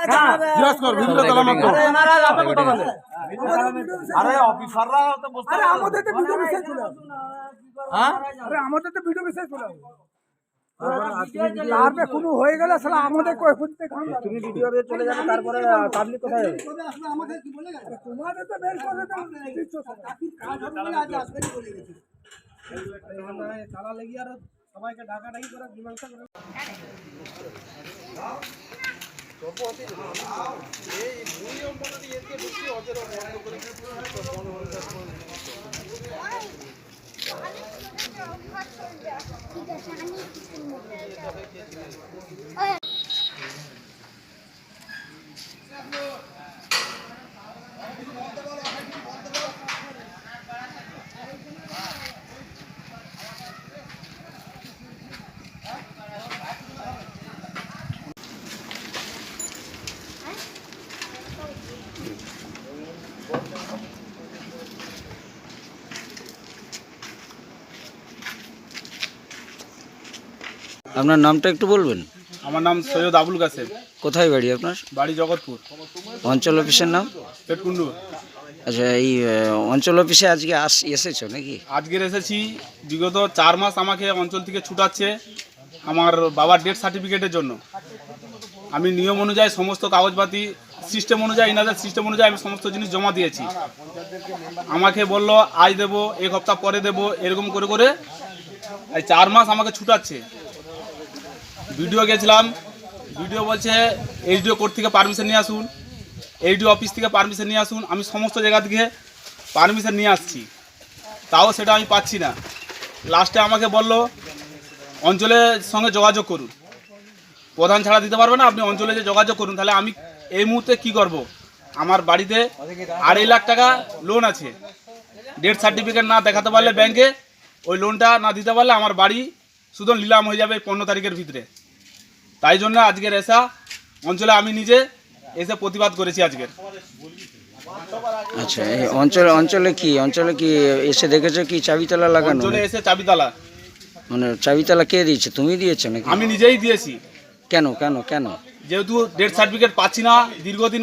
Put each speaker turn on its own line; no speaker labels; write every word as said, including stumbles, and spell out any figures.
জিজ্ঞাসা কর ভিডিও তালা মাত্র
আরে অফিসাররা তো বসতে
আরে আমাদের তো ভিডিও মেসেজ ছিল
হ্যাঁ
আরে আমাদের তো ভিডিও মেসেজ ছিল তারপরে কোনো হয়ে গেলে সালা আমাদের কই করতে কাম তুমি ভিডিও দিয়ে চলে যাবে তারপরে পাবলিক কোথায় যাবে আমাদের কি বলে গেছে তোমাদের তো বের করে দাও দিচ্ছ কাকি কাজ হবে আজ আসবেই বলে গেছে তালা লাগি আর সবাইকে ঢাকা ঢাকি করে মীমাংসা করে এই নিয়ম মনে দিয়ে এসে ঢুকি ওদের বন্ধ করে
আপনার নামটা একটু বলবেন?
আমার নাম সৈয়দ আবুল কাসেম।
কোথায় বাড়ি আপনার?
বাড়ি জগৎপুর।
অঞ্চল অফিসের নাম?
পেটকুন্ডু।
আচ্ছা, এই অঞ্চল অফিসে আজকে আস এসেছো নাকি?
আজকের এসেছি। বিগত চার মাস আমাকে অঞ্চল থেকে ছুটাচ্ছে আমার বাবার ডেথ সার্টিফিকেটের জন্য। আমি নিয়ম অনুযায়ী সমস্ত কাগজপাতি সিস্টেম অনুযায়ী ইনাদের সিস্টেম অনুযায়ী আমি সমস্ত জিনিস জমা দিয়েছি। আমাকে বলল আজ দেবো, এক সপ্তাহ পরে দেবো, এরকম করে করে এই চার মাস আমাকে ছুটাচ্ছে। ভিডিও গেছিলাম, ভিডিও বলছে এইচডিও কোর্ট থেকে পারমিশন নিয়ে আসুন, এইচডিও অফিস থেকে পারমিশন নিয়ে আসুন। আমি সমস্ত জায়গা থেকে পারমিশন নিয়ে আসছি, তাও সেটা আমি পাচ্ছি না। লাস্টে আমাকে বলল অঞ্চলের সঙ্গে যোগাযোগ করুন, প্রধান ছাড়া দিতে পারবে না, আপনি অঞ্চলে যে যোগাযোগ করুন। তাহলে আমি এই মুহূর্তে কি করব? আমার বাড়িতে আড়াই লাখ টাকা লোন আছে, ডেথ সার্টিফিকেট না দেখাতে পারলে ব্যাংকে, ওই লোনটা না দিতে পারলে আমার বাড়ি শুধু নিলাম হয়ে যাবে পনেরো তারিখের ভিতরে। তাই জন্য আজকের এসা অঞ্চলে আমি নিজে এসে প্রতিবাদ করেছি আজকের।
আচ্ছা, এই অঞ্চলে অঞ্চলে কি অঞ্চলে কি এসে দেখেছো কি চাবিতালা লাগানো?
অঞ্চলে এসে চাবিতালা,
মানে চাবিতালা কে দিয়েছে? তুমি দিয়েছো নাকি?
আমি নিজেই দিয়েছি।
কেন কেন কেন?
যেহেতু ডেথ সার্টিফিকেট পাচ্ছি না দীর্ঘদিন